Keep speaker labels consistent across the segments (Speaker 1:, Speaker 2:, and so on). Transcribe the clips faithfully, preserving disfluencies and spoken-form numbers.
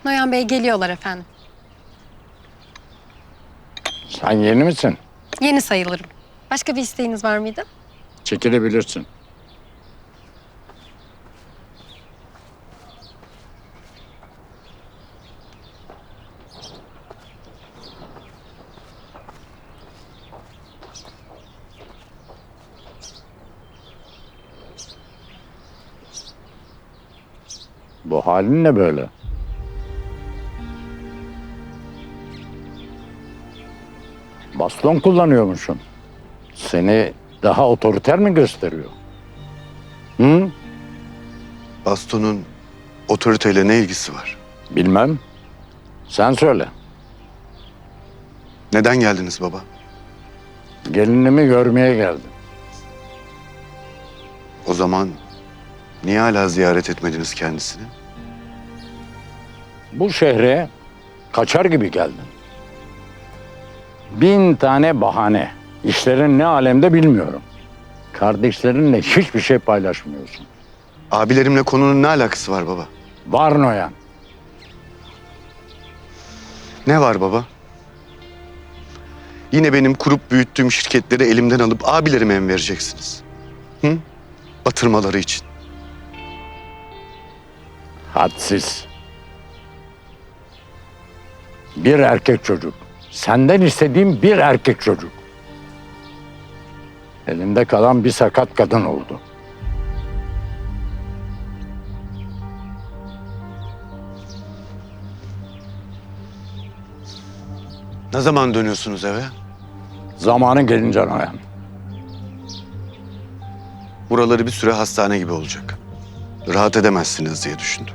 Speaker 1: Noyan Bey geliyorlar efendim.
Speaker 2: Sen yeni misin?
Speaker 1: Yeni sayılırım. Başka bir isteğiniz var mıydı?
Speaker 2: Çekilebilirsin. Bu halin ne böyle? Baston kullanıyormuşsun. Seni daha otoriter mi gösteriyor? Hı?
Speaker 3: Bastonun otoriteyle ne ilgisi var?
Speaker 2: Bilmem. Sen söyle.
Speaker 3: Neden geldiniz baba?
Speaker 2: Gelinimi görmeye geldim.
Speaker 3: O zaman niye hala ziyaret etmediniz kendisini?
Speaker 2: Bu şehre kaçar gibi geldin. Bin tane bahane. İşlerin ne alemde bilmiyorum. Kardeşlerinle hiçbir şey paylaşmıyorsun.
Speaker 3: Abilerimle konunun ne alakası var baba?
Speaker 2: Var Noyan.
Speaker 3: Ne var baba? Yine benim kurup büyüttüğüm şirketleri elimden alıp abilerime mi vereceksiniz? Hı? Batırmaları için.
Speaker 2: Hadsiz. Bir erkek çocuk. Senden istediğim bir erkek çocuk. Elimde kalan bir sakat kadın oldu.
Speaker 3: Ne zaman dönüyorsunuz eve?
Speaker 2: Zamanı gelince Noyan.
Speaker 3: Buraları bir süre hastane gibi olacak. Rahat edemezsiniz diye düşündüm.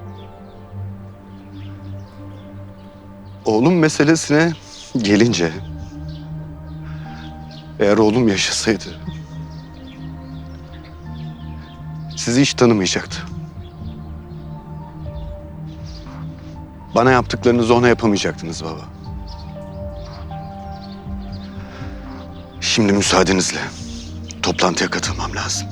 Speaker 3: Oğlum meselesine gelince... Eğer oğlum yaşasaydı... Sizi hiç tanımayacaktı. Bana yaptıklarınızı ona yapamayacaktınız baba. Şimdi müsaadenizle toplantıya katılmam lazım.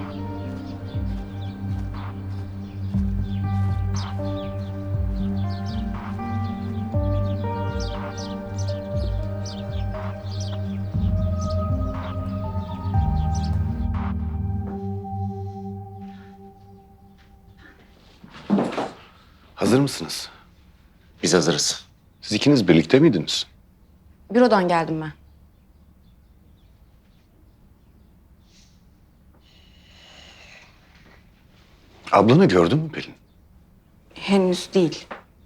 Speaker 3: Hazır mısınız?
Speaker 4: Biz hazırız.
Speaker 3: Siz ikiniz birlikte miydiniz?
Speaker 5: Bürodan geldim ben.
Speaker 3: Ablanı gördün mü Pelin?
Speaker 5: Henüz değil.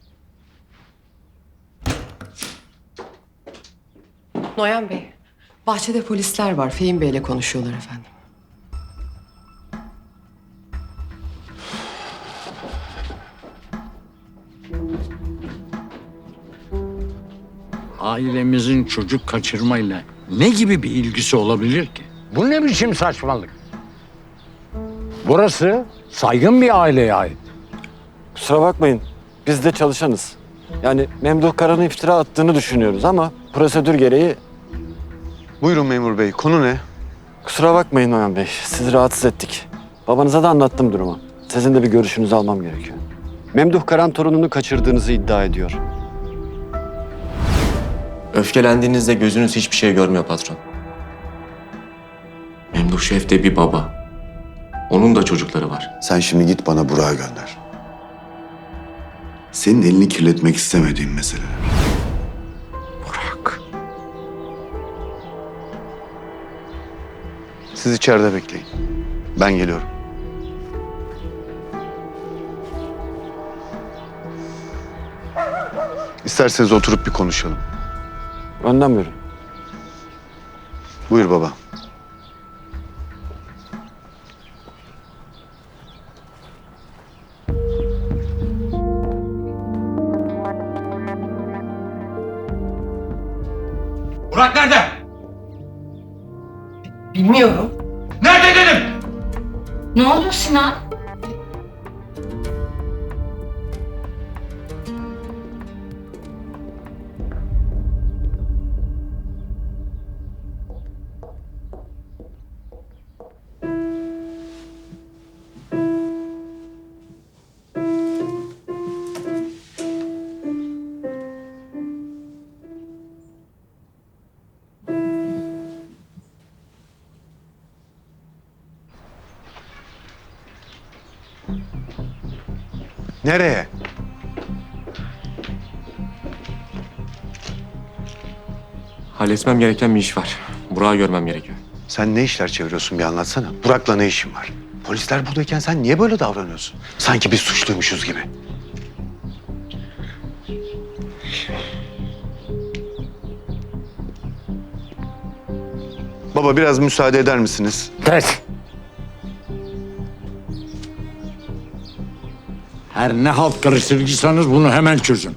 Speaker 1: Noyan Bey.
Speaker 6: Bahçede polisler var. Fehim Bey'le konuşuyorlar efendim.
Speaker 2: Ailemizin çocuk kaçırmayla ne gibi bir ilgisi olabilir ki? Bu ne biçim saçmalık? Burası saygın bir aileye ait.
Speaker 7: Kusura bakmayın. Biz de çalışanız. Yani Memduh Karan'ın iftira attığını düşünüyoruz ama prosedür gereği...
Speaker 3: Buyurun memur bey, konu ne?
Speaker 7: Kusura bakmayın Noyan Bey. Sizi rahatsız ettik. Babanıza da anlattım durumu. Sizin de bir görüşünüzü almam gerekiyor. Memduh Karan torununu kaçırdığınızı iddia ediyor.
Speaker 4: Öfkelendiğinizde gözünüz hiçbir şey görmüyor patron. Memduh Şef de bir baba. Onun da çocukları var.
Speaker 3: Sen şimdi git bana Burak'ı gönder. Senin elini kirletmek istemediğim meseleler.
Speaker 2: Burak.
Speaker 3: Siz içeride bekleyin. Ben geliyorum. İsterseniz oturup bir konuşalım.
Speaker 7: Önden buyurun.
Speaker 3: Buyur baba.
Speaker 8: Burak nerede?
Speaker 6: Bilmiyorum.
Speaker 8: Nerede dedim?
Speaker 5: Ne oldu Sinan?
Speaker 3: Nereye?
Speaker 4: Halletmem gereken bir iş var. Burak'ı görmem gerekiyor.
Speaker 3: Sen ne işler çeviriyorsun bir anlatsana. Burak'la ne işin var? Polisler buradayken sen niye böyle davranıyorsun? Sanki biz suçluymuşuz gibi. Baba biraz müsaade eder misiniz?
Speaker 2: Kes. Her ne halt karıştırıcıysanız bunu hemen çözün.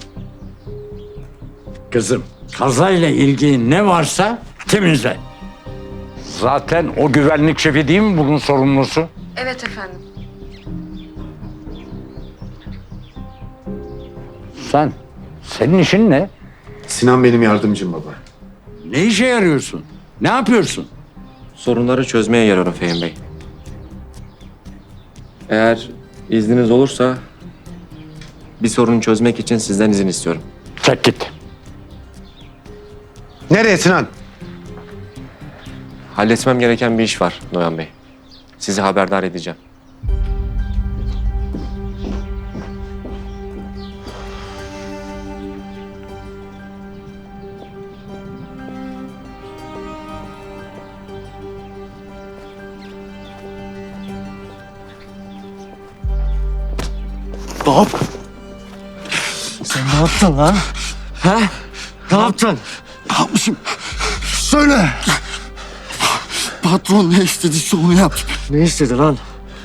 Speaker 2: Kızım, kazayla ilgili ne varsa temizle. Zaten o güvenlik şefi değil mi bunun sorumlusu?
Speaker 5: Evet efendim.
Speaker 2: Sen, senin işin ne?
Speaker 3: Sinan benim yardımcım baba.
Speaker 2: Ne işe yarıyorsun? Ne yapıyorsun?
Speaker 4: Sorunları çözmeye yararım Fehim Bey. Eğer izniniz olursa bir sorunu çözmek için sizden izin istiyorum.
Speaker 2: Çek git.
Speaker 3: Nereye Sinan?
Speaker 4: Halletmem gereken bir iş var Noyan Bey. Sizi haberdar edeceğim.
Speaker 9: Sen ne yaptın lan? Ha? Ne yaptın? Ne yapmışım? Söyle. Patron ne istediyse onu yaptım. Ne istedi lan?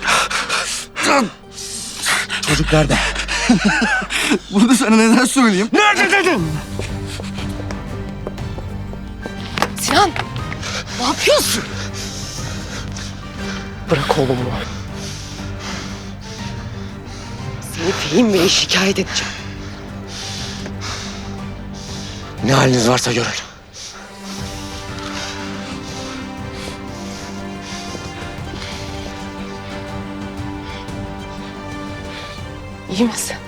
Speaker 9: Çocuk nerede? Bunu sana neden söyleyeyim? Nerede dedim?
Speaker 1: Sinan, ne yapıyorsun?
Speaker 6: Bırak oğlumu. Seni Fehim Bey'e şikayet edeceğim.
Speaker 9: Ne haliniz varsa görün.
Speaker 6: İyi misin?